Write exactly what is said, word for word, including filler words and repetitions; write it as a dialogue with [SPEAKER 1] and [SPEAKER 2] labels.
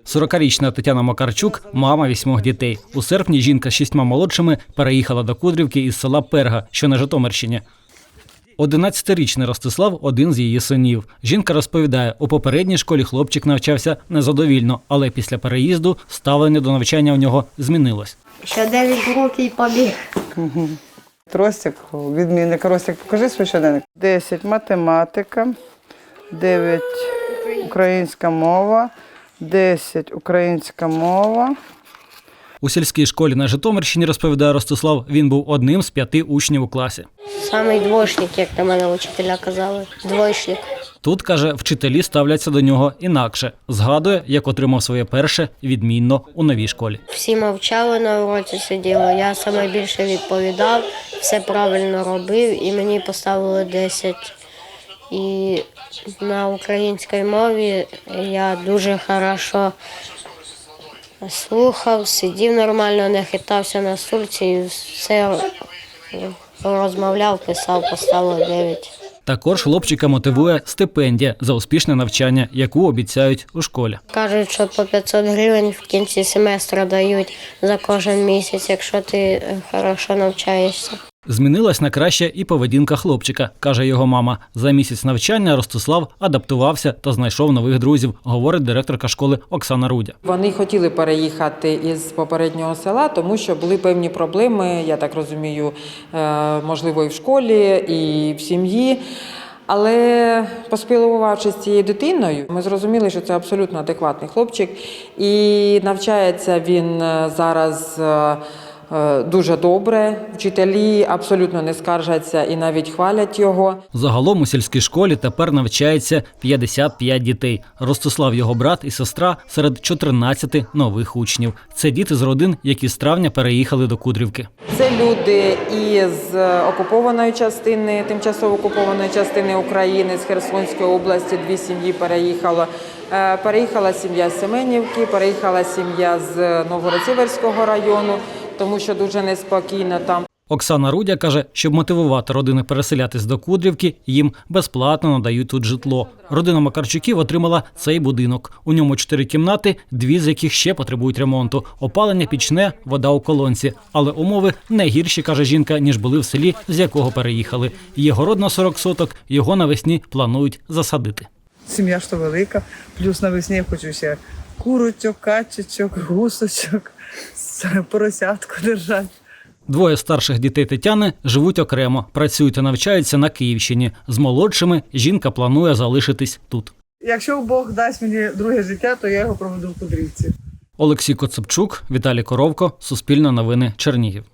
[SPEAKER 1] сорокарічна Тетяна Макарчук – мама вісьмох дітей. У серпні жінка з шістьма молодшими переїхала до Кудрівки із села Перга, що на Житомирщині. одинадцятирічний Ростислав – один з її синів. Жінка розповідає, у попередній школі хлопчик навчався незадовільно, але після переїзду ставлення до навчання у нього змінилось.
[SPEAKER 2] Ще дев'ять років і побіг.
[SPEAKER 3] Угу. Ростик, відмінник. Ростик, покажи свій щоденник. десять – математика, дев'ять – українська мова, десять – українська мова.
[SPEAKER 1] У сільській школі на Житомирщині, розповідає Ростислав, він був одним з п'яти учнів у класі.
[SPEAKER 2] Самий двоєчник, як на мене вчителя казали. Двоєчник.
[SPEAKER 1] Тут, каже, вчителі ставляться до нього інакше. Згадує, як отримав своє перше відмінно у новій школі.
[SPEAKER 2] Всі мовчали на уроці, сиділи. Я саме більше відповідав, все правильно робив і мені поставили десять. І на українській мові я дуже хорошо слухав, сидів нормально, не хитався на стульці і все розмовляв, писав, поставив дев'ять.
[SPEAKER 1] Також хлопчика мотивує стипендія за успішне навчання, яку обіцяють у школі.
[SPEAKER 2] Кажуть, що по п'ятсот гривень в кінці семестру дають за кожен місяць, якщо ти хорошо навчаєшся.
[SPEAKER 1] Змінилась на краще і поведінка хлопчика, каже його мама. За місяць навчання Ростислав адаптувався та знайшов нових друзів, говорить директорка школи Оксана Рудя.
[SPEAKER 4] Вони хотіли переїхати із попереднього села, тому що були певні проблеми, я так розумію, можливо, і в школі, і в сім'ї. Але поспілкувавшись з цією дитиною, ми зрозуміли, що це абсолютно адекватний хлопчик. І навчається він зараз дуже добре, вчителі абсолютно не скаржаться і навіть хвалять його.
[SPEAKER 1] Загалом у сільській школі тепер навчається п'ятдесят п'ять дітей. Ростислав, його брат і сестра серед чотирнадцяти нових учнів. Це діти з родин, які з травня переїхали до Кудрівки.
[SPEAKER 4] Це люди із окупованої частини, тимчасово окупованої частини України, з Херсонської області, дві сім'ї переїхало. Переїхала сім'я з Семенівки, переїхала сім'я з Новгород-Сіверського району, тому що дуже неспокійно там.
[SPEAKER 1] Оксана Рудя каже, щоб мотивувати родини переселятись до Кудрівки, їм безплатно надають тут житло. Родина Макарчуків отримала цей будинок. У ньому чотири кімнати, дві з яких ще потребують ремонту. Опалення пічне, вода у колонці. Але умови не гірші, каже жінка, ніж були в селі, з якого переїхали. Є город на сорок соток, його навесні планують засадити.
[SPEAKER 3] Сім'я ж то велика, плюс навесні я хочу ще курочок, качечок, гусочок, поросятку держати.
[SPEAKER 1] Двоє старших дітей Тетяни живуть окремо, працюють та навчаються на Київщині. З молодшими жінка планує залишитись тут.
[SPEAKER 3] Якщо Бог дасть мені друге життя, то я його проведу в Кудрівці.
[SPEAKER 1] Олексій Коцепчук, Віталій Коровко, Суспільне новини, Чернігів.